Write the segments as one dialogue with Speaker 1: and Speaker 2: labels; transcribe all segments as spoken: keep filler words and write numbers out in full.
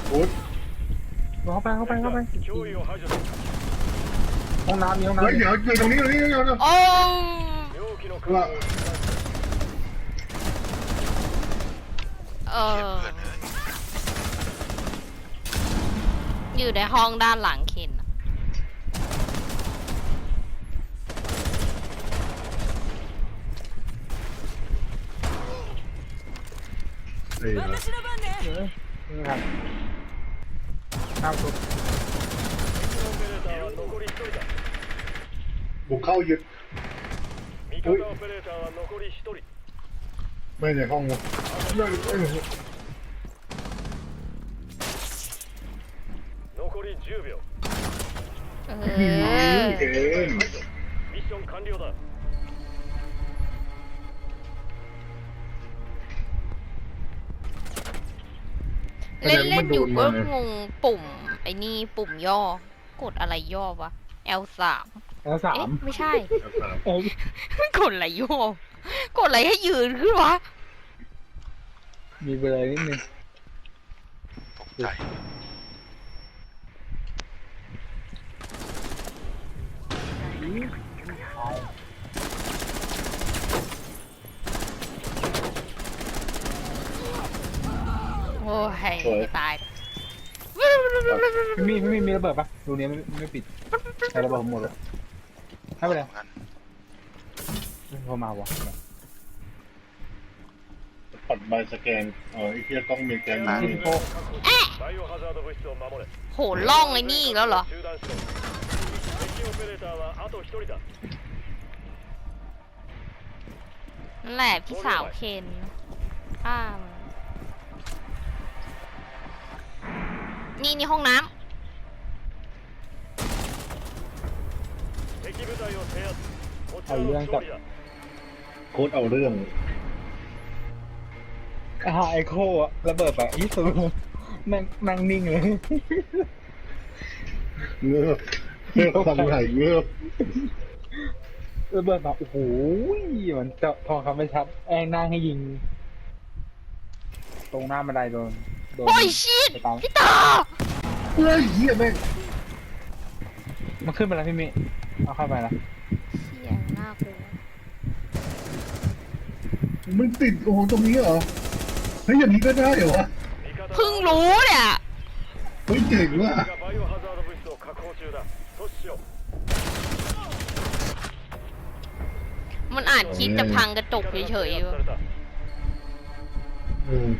Speaker 1: พุทธ
Speaker 2: เข้าไปเข้าไปเข้าไปห้องน้ำมีห้องน้ำ
Speaker 1: เฮ้ยเดี๋ยวอยู่ตรงนี้ตรงนี้เดี๋ยว
Speaker 3: โอ้
Speaker 1: ว่า
Speaker 3: เอออยู่ในห้องด้านหลังเคนอะ
Speaker 1: เฮ้ย
Speaker 2: นี่ครับข้ามสุด
Speaker 1: บุกเข้ายึดไม่ในห้องวะไม่ไม่
Speaker 3: เออ
Speaker 1: เก่ง
Speaker 3: เล่นเล่นอยู่ก็งงปุ่มไอ้นี่ปุ่มย่อ กดอะไรย่อวะ แอล สาม
Speaker 2: แล้วสา
Speaker 3: เอ๊ะ
Speaker 2: ม
Speaker 3: ไม่ใช่
Speaker 2: โอ้ย
Speaker 3: กดอะไรย่อ กดอะไรให้ยืนขึ้นวะ
Speaker 2: มีเบลอนิดนึง
Speaker 4: ตกใจ
Speaker 3: โอ้ยตาย
Speaker 2: พี่มีพี่มีมีระเบิดปะรูนี้ไม่ไม่ปิดใช้ระเบิดหมดเลยให้ไปเลย
Speaker 4: กัน
Speaker 2: โทรมาวะ
Speaker 1: ปัดใบสแกนเออไอ้เทียต้องมีแกน
Speaker 2: ที่
Speaker 1: นี่
Speaker 2: พี่โป้
Speaker 3: โหล่องไอ้นี่อีกแล้วเหรอ นั่นแหละพี่สาวเคนข้ามนี่นี่ห้องน้ำ
Speaker 2: เอาเรื่องกับ
Speaker 1: โค้ดเอาเรื่อง
Speaker 2: อาไอโคอะระเบิดอะอีสูนั่งนั่งนิ่งเลย
Speaker 1: เงือบเงือบทำไหนเงือบ
Speaker 2: ระเบิดแบบโอ้โหมันเจาะทองคำไม่ชัดแองนั่งให้ยิง ตรงหน้าบันไดโดนโดน
Speaker 3: โอ้ยชิด
Speaker 2: ไปตาม
Speaker 3: พี่ต่อ
Speaker 1: เฮ้ยเหี้ยแม่ง
Speaker 2: มันขึ้นไปแล้วพี่มิเอาเข้าไปแล้ว
Speaker 3: เสียงน่ากลัว
Speaker 1: มันติดโอ้โหตรงนี้เหรอเฮ้ยอย่างนี้ก็ได้เหรอวะ
Speaker 3: เพิ่งรู้เนี่ย
Speaker 1: เฮ้ยเจ๋งว่ะ
Speaker 3: มันอ่านคิดจะพังกระจกเฉยๆอยู่
Speaker 1: อืม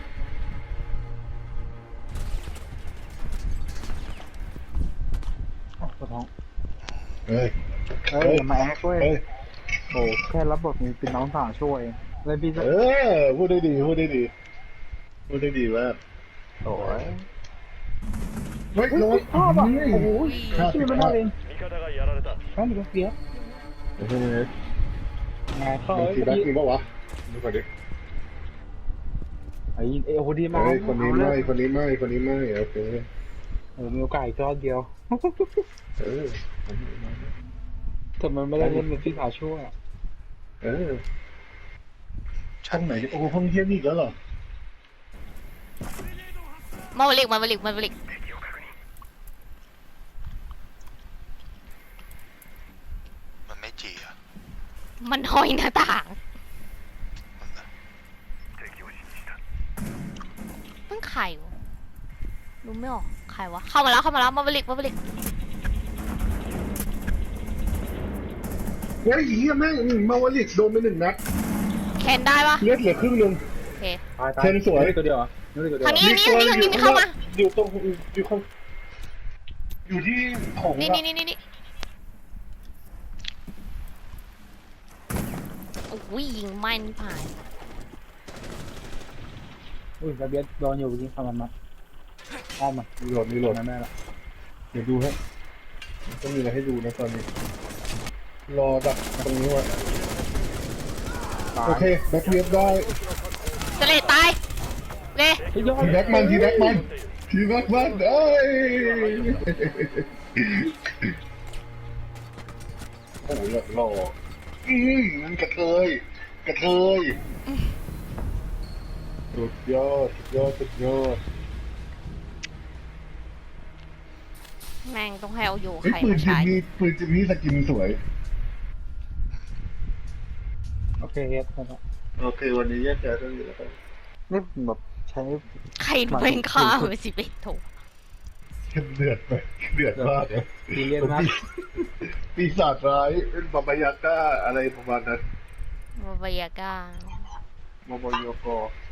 Speaker 2: อ้าวปวดท้อง
Speaker 1: เฮ้ย
Speaker 2: เอ้ยอย่ามาแอคเว้ย
Speaker 1: เฮ้ย
Speaker 2: โอ้แค่รับบทมีเป็นน้องสาวช่วยเลยพี่จะ
Speaker 1: เออพูดได้ดีพูดได้ดีพูดได้ดีมาก
Speaker 2: โอ้ย
Speaker 1: เฮ้ย
Speaker 2: เฮ้ย
Speaker 1: น้อง
Speaker 2: ชอบอ่ะโอ้โห
Speaker 1: ครับ
Speaker 2: ชื่อมันน่าเล่นนั่นก็เสีย
Speaker 1: เฮ้ย
Speaker 2: ไงเขา
Speaker 1: มี
Speaker 2: เอ้ย
Speaker 1: ทีแบ็กมีปะวะดูก่อนดิ
Speaker 2: ไอ้เอโอดีมาก
Speaker 1: เฮ้ยคนนี้ไม่คนนี้ไม่คนนี้ไม่โอเค
Speaker 2: เออมีโอกาสอีกรอบเดียว
Speaker 1: เออ
Speaker 2: แต่มันไม่ได้เล่นเป็นพี่สาวช่วย
Speaker 1: เออชั้นไหนโอ้ห้องเยี่ยนี่อีกแล้วเหรอ
Speaker 3: มาบลิกมาบลิกมาบลิก
Speaker 4: มันไม่จีอ่ะ
Speaker 3: มันห้อยหน้าต่าง
Speaker 4: มันน่ะ
Speaker 3: มันใครวะรู้ไม่ออกใครวะ เข้ามาแล้วเข้ามาแล้วมาบลิกมาบลิก
Speaker 1: เฮ้ยเหี้ยแม่งมาวลิกโดนไปหนึ่งนัด
Speaker 3: แคนได้ปะ
Speaker 1: เลือดเหลือครึ่งหนึง
Speaker 3: โอเค
Speaker 2: ตายตาย
Speaker 1: เทนสวย
Speaker 2: นี่ตัวเดียวเหรอนี่ตัวเดียว
Speaker 3: ทางนี้ นี่นี่นี่เข้ามา
Speaker 1: อยู่ตรงอยู่ข้างอยู่ที่ของ
Speaker 3: นี่
Speaker 1: อะ
Speaker 3: นี่นี่นี่นี่โอ้ยยิงไม่นี่ผ่าน
Speaker 2: อุ้ยระเบียดโดนอยู่จริงทำมันมาอ้อมมา
Speaker 1: มีโหลดมีโหลด
Speaker 2: แม่แม่ละ
Speaker 1: เดี๋ยวดูให้ต้องมีอะไรให้ดูนะตอนนี้ รอดักตรงนี้ไว้
Speaker 2: ตาย
Speaker 1: โอเคแบ็คเวียบได้
Speaker 3: จะเลยตายเลย
Speaker 2: เฮ้ยยอด
Speaker 1: ทีแบ็คมันทีแบ็คมันทีแบ็คมันเอ้ยโอ้โหหล่ออืมมันกระเทยกระเทยสุดยอดสุดยอดสุดยอด
Speaker 3: แม่งต้องให้เอาโย
Speaker 1: เฮ้ย
Speaker 3: ใคร
Speaker 1: ปืน
Speaker 3: มา
Speaker 1: จิม
Speaker 3: ใช้
Speaker 1: มี่ปืนจิมมี่สกินสวย
Speaker 2: โอเคเฮ็ดนะครับ
Speaker 1: โอเค วันนี้แยกย้ายกันอยู่แล้วกัน
Speaker 2: นี่แบบใช้
Speaker 3: ใครแม่งฆ่าไปสิบเอ็ดโถ
Speaker 1: เข้มเดือดไปเดือดมากเลย
Speaker 2: ซีเรียสมาก
Speaker 1: ปีศาจร้ายเป็นบาบายาก้าอะไรประมาณนั้น
Speaker 3: วาบายาก้า
Speaker 1: บาบายากอ